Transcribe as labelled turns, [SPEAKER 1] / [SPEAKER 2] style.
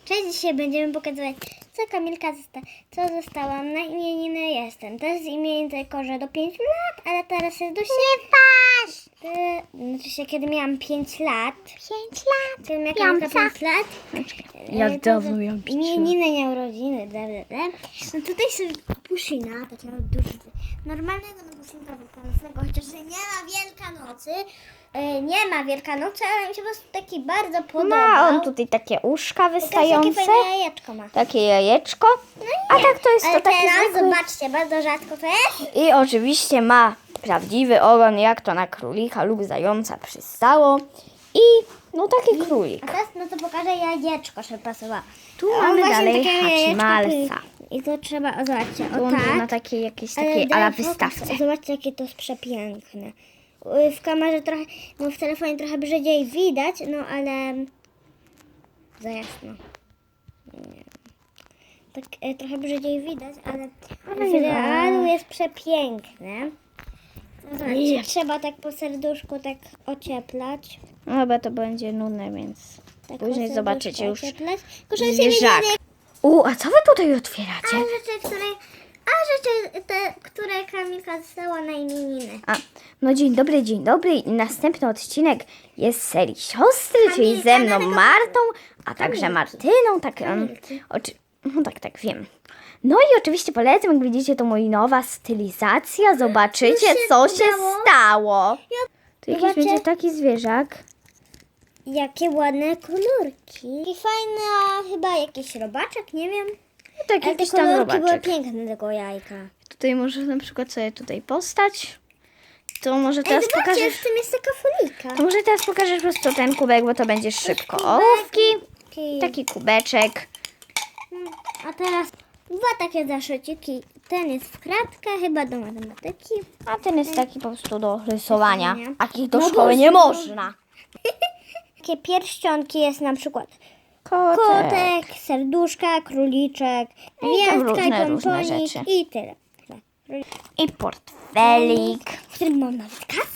[SPEAKER 1] Cześć, dzisiaj będziemy pokazywać, co Kamilka została na imieniny jestem. To jest imieniny tylko, że do 5 lat, ale teraz jest do 7. Znaczy się, kiedy miałam 5 lat. 5 lat? Kiedy miała Kamilka 5 lat.
[SPEAKER 2] Jak dawno miałam 5 lat?
[SPEAKER 1] Imieniny, nie urodziny, No tutaj są Puszyna, takiego dużego, normalnego Puszynka wielkanocnego, chociaż nie ma Wielkanocy. Nie ma Wielkanocy, ale mi się po prostu taki bardzo podobał.
[SPEAKER 2] Ma on tutaj takie uszka wystające,
[SPEAKER 1] Takie fajne jajeczko ma.
[SPEAKER 2] takie jajeczko, a tak to jest
[SPEAKER 1] Ale
[SPEAKER 2] to taki
[SPEAKER 1] teraz
[SPEAKER 2] zwykły.
[SPEAKER 1] zobaczcie, bardzo rzadko to jest.
[SPEAKER 2] I oczywiście ma prawdziwy ogon, jak to na królika lub zająca przystało. I no taki królik.
[SPEAKER 1] A teraz no to pokażę jajeczko, żeby pasowało.
[SPEAKER 2] Tu
[SPEAKER 1] A on
[SPEAKER 2] mamy
[SPEAKER 1] właśnie
[SPEAKER 2] dalej
[SPEAKER 1] takie jajeczko
[SPEAKER 2] Hachimalsa.
[SPEAKER 1] I to trzeba, o zobaczcie,
[SPEAKER 2] Tu
[SPEAKER 1] o
[SPEAKER 2] on był na
[SPEAKER 1] tak.
[SPEAKER 2] takiej jakiejś
[SPEAKER 1] Ale
[SPEAKER 2] takiej
[SPEAKER 1] daj
[SPEAKER 2] ala
[SPEAKER 1] fokus.
[SPEAKER 2] wystawce.
[SPEAKER 1] Zobaczcie, jakie to jest przepiękne. W kamerze trochę, no w telefonie trochę brzydziej widać, no ale za jasno. Nie. Tak trochę brzydziej widać, ale w realu jest przepiękne. No zobaczcie, trzeba tak po serduszku tak ocieplać.
[SPEAKER 2] No chyba to będzie nudne, więc
[SPEAKER 1] Tak po
[SPEAKER 2] później
[SPEAKER 1] serduszku
[SPEAKER 2] zobaczycie już
[SPEAKER 1] ocieplać. Tylko, że się
[SPEAKER 2] zwierzak.
[SPEAKER 1] nie
[SPEAKER 2] A co wy tutaj otwieracie?
[SPEAKER 1] rzeczy, te, które Kamilka dostała na imieniny.
[SPEAKER 2] No dzień dobry. I następny odcinek jest z serii siostry, czyli
[SPEAKER 1] Kamilka,
[SPEAKER 2] ze mną
[SPEAKER 1] dlatego-
[SPEAKER 2] Martą, a także
[SPEAKER 1] Kamilki.
[SPEAKER 2] Martyną. Tak,
[SPEAKER 1] Kamilki.
[SPEAKER 2] no tak, wiem. No i oczywiście polecam, jak widzicie, to moja nowa stylizacja. Zobaczycie,
[SPEAKER 1] się
[SPEAKER 2] co się
[SPEAKER 1] udało.
[SPEAKER 2] stało. Tu jakiś
[SPEAKER 1] Zobaczcie.
[SPEAKER 2] będzie taki zwierzak.
[SPEAKER 1] Jakie ładne kolorki. I fajny, a chyba jakiś robaczek, nie wiem.
[SPEAKER 2] No tak,
[SPEAKER 1] Ale te
[SPEAKER 2] jakiś tam
[SPEAKER 1] kolorki były
[SPEAKER 2] robaczek.
[SPEAKER 1] piękne tego jajka.
[SPEAKER 2] Tutaj może na przykład sobie tutaj postać. To może
[SPEAKER 1] Ej,
[SPEAKER 2] teraz
[SPEAKER 1] zobaczcie,
[SPEAKER 2] pokażesz...
[SPEAKER 1] w tym jest taka folika.
[SPEAKER 2] To może teraz pokażesz po prostu ten kubek, bo to będzie szybko. Ołówki, taki kubeczek.
[SPEAKER 1] A teraz dwa takie zaszyciki. Ten jest w kratkę, chyba do matematyki.
[SPEAKER 2] A ten jest taki po prostu do rysowania.
[SPEAKER 1] Rysowania.
[SPEAKER 2] Takich do
[SPEAKER 1] No
[SPEAKER 2] szkoły
[SPEAKER 1] bo-
[SPEAKER 2] nie można.
[SPEAKER 1] Takie pierścionki jest na przykład
[SPEAKER 2] Kotek.
[SPEAKER 1] kotek, serduszka, króliczek,
[SPEAKER 2] I tam
[SPEAKER 1] gwiazdka,
[SPEAKER 2] różne
[SPEAKER 1] pomponik
[SPEAKER 2] rzeczy.
[SPEAKER 1] i tyle.
[SPEAKER 2] I portfelik.
[SPEAKER 1] W którym mam nawet kawę.